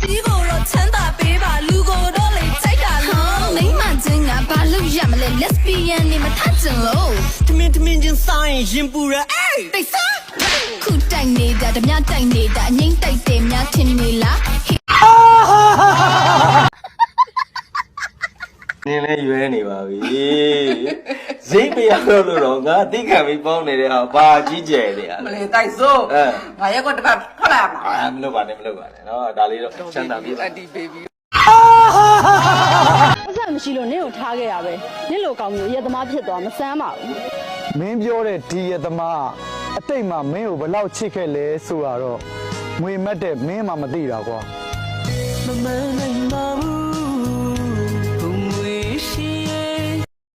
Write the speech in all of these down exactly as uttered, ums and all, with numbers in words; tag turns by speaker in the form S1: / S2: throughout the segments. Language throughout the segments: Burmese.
S1: ပြီးကိုတော့ချမ်းသာပေးပါလူကိုတော့လေစိုက်တာလို့မိမချင်းကဘာလို့ရမလဲ lesbian နေမထချင်လို့တမင်တမင်ချင်းဆိုင်ရင်ပူရအေးတိတ်စားခုတိုက်နေတာဓမြတိုက်နေတာအငိမ့်တိုက်တယ်များထင်နေလား
S2: နင်းလဲရွဲနေပါပြီဈေးမရတော့လို့တော့ငါသိခံပြီးပေါင်းနေတဲ့ဟာဘာကြီးကျယ်နေရလဲ
S3: မလဲတိုက်စို့ငါရက်ကွက်တစ်ပတ်ထွက်လာမှာ
S2: အာမလုပ်ပါနဲ့မလုပ်ပါနဲ့နော်ဒါလေးတော့ချမ်းသာပြီ
S3: အတီဘေဘီ
S4: ပတ်စံမရှိလို့နင့်ကိုထားခဲ့ရပဲနင့်လိုကောင်းမျိုးရက်သမားဖြစ်သွားမစမ်းပါဘူး
S5: မင်းပြောတဲ့ဒီရက်သမားအတိတ်မှာမင်းကိုဘယ်လောက်ချစ်ခဲ့လဲဆိုတော့ငွေမက်တဲ့မင်းမှမသိတာကွာမမနိုင်ပါဘူးဘုံဝေးရှိရဲ့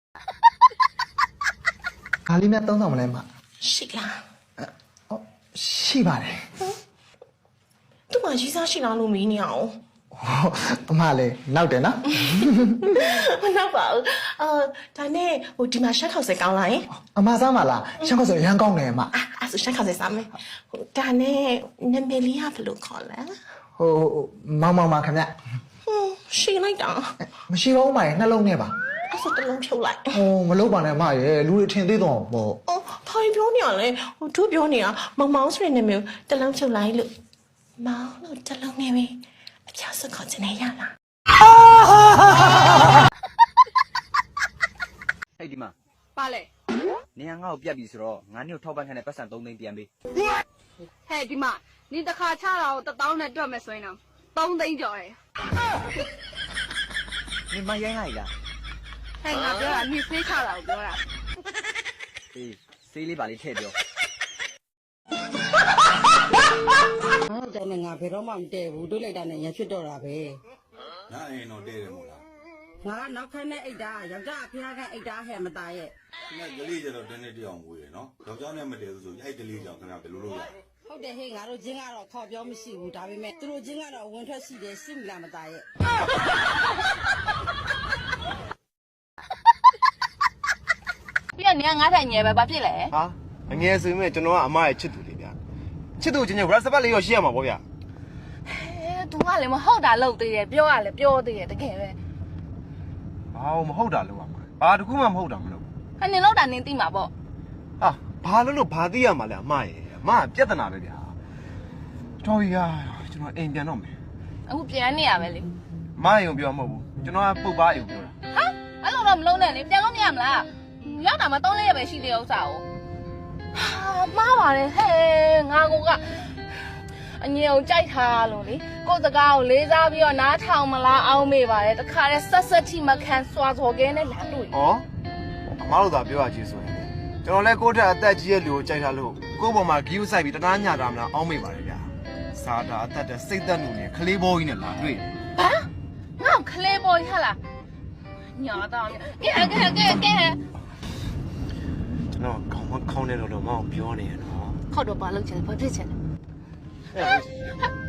S5: ခါလေးနဲ့သုံးဆောင်မလဲမ
S6: ရှိလား
S5: ဟုတ်ရှိပါတယ်
S6: သူမှရေးစားရှိလားလို့မင်းနေအောင်
S5: အမလည်းနောက်တယ်နော်
S6: မနောက်ပါဘူးအော်ဒါနဲ့ဟိုဒီမှာရှက်ခေါက်စဲကောင်းလာရင်
S5: အမစားမလားရှက်ခေါက်စဲရမ်းကောင်းတယ်အမ
S6: အဲ့ဆိုရှက်ခေါက်စဲစားမယ်ဟိုဒါနဲ့နမလီယာဘယ်လိုခေါ်လဲ
S5: ဟိုမောင်မောင်ပါခင်ဗျ
S6: ဟွန်းရှိလိုက်တာ
S5: မရှိပါဘူးမရဲ့နှလုံးနဲ့ပါ
S6: အဲ့ဆိုတလုံးဖြုတ်လိုက်
S5: ဟိုမလုပ်ပါနဲ့မရဲ့လူတွေထင်သေးတော့ပေါ့
S6: အော်ဘာပြောနေရလဲဟိုသူပြောနေတာမောင်မောင်ဆိုတဲ့နာမည်တလုံးဖြုတ်လိုက်လို့မောင်လို့တလုံးနေပြီအချစခေါ်ချင်နေရလား
S7: အဲ့ဒီမှာ
S4: ပါလေ
S7: နေငါ့ကိုပြတ်ပြီဆိုတော့ငါနေ့ကိုထောက်ပံ့ခံတဲ့ပတ်စံသုံးသိန်းပြန်ပေး
S4: ဟဲ့ဒီမှာနင်တစ်ခါချတာကိုတစ်တောင်းနဲ့တွက်မယ်ဆိုရင်တော့သုံးသိန်းကျော်တယ်
S7: နေမရိုင်းလိုက်လား
S4: ဟဲ့ငါပြောတာနင်ဖေးချတာကိုပြောတာ
S7: အေးစေးလေးပါလေးထည့်ပြော
S8: အဲ့ဒါနဲ့ငါဘယ်တော့မှမတည့်ဘူးတွေးလိုက်တာနဲ့ရဖြစ်တော့တာပဲ
S9: ငါအိမ်တော့တည့်တယ်မို့လား
S8: ငါနောက်ခန်းနဲ့အိတ်တာယောက်ျားအဖေကအိတ်တာဟဲ့မသားရဲ့
S9: ငါကလေးကျတော့တနေ့တည်းအောင်ဝေးရနော်ယောက်ျားနဲ့မတည့်ဘူးဆိုအဲ့ကလေးကြောင့်ခင်ဗျာဘယ်လိုလုပ်ရ
S8: ဟုတ်တယ်ဟေ့ငါတို့ချင်းကတော့ခေါ်ပြောမရှိဘူးဒါပေမဲ့သူတို့ချင်းကတော့ဝင်ထွက်ရှိတယ်စစ်မလားမသားရဲ့
S4: ပြည့်နေငါးထိုင်ငယ်ပဲဘာဖြစ်လဲ
S10: ဟာအငယ်ဆိုရင်ကျွန်တော်ကအမရဲ့ချစ်သူလေးဗျာချစ်သူချင်းချင်း WhatsApp လေးရောရှိရမှာပေါ့ဗျာ
S4: အဲသူကလည်းမဟုတ်တာလုပ်သေးတယ်ပြောရလဲပြောသေးတယ်တကယ်ပဲ
S10: ဘာမဟုတ်တာလို့ပါဘာတခုမှမဟုတ်တာမလို့
S4: ဟဲ့နင်လောက်တာနင်သိမှာပေါ့
S10: ဟာဘာလို့လို့ဘာသိရမှာလဲအမရဲ့အမကပြဿနာပဲဗျာတော်ပြီဟာကျွန်တော်အိမ်ပြန်တော့မယ်
S4: အခုပြန်နေရပဲလေ
S10: မအိမ်ကိုပြောမဟုတ်ဘူးကျွန်တော်ကပုတ်ပါအိမ်ကိုပြောတာ
S4: ဟာအဲ့လိုတော့မလုံးနဲ့လေပြန်လို့မရမလားရောက်တာမှသုံးလေးရပဲရှိသေးဥစ္စာကိုဟာမှားပါတယ်ဟဲ့ငါကအငြင်းကိုကြိုက်ထားလို့လေကိုယ်စကားကိုလေးစားပြီးတော့နားထောင်မလားအောင်းမေးပါတယ်တခါတည်းဆက်ဆက်ထိမခံစွာစော်ကဲနဲ့လာတွေ့
S10: ဩအမတို့သာပြောရချင်းဆိုရင်ကျွန်တော်လဲကိုယ့်ထက်အသက်ကြီးရဲ့လူကိုကြိုက်ထားလို့ကိုယ့်ပေါ်မှာဂီးဥဆိုင်ပြီးတနာညတာမလားအောင်းမေးပါတယ်ဗျာစာတာအသက်တဲ့စိတ်သက်လူနဲ့ခလေးဘောကြီးနဲ့လာတွေ့
S4: ဟမ်ငါ့ခလေးဘောကြီးဟာလားညာတော့ကဲကဲကဲကဲ
S10: ကျွန်တော်ခေါင်းမခေါင်းနဲ့တော့တော့မအောင်ပြောနေရနော်
S4: ခောက်တော့ပါလို့ချင်ဘာဖြစ်ချင်လဲ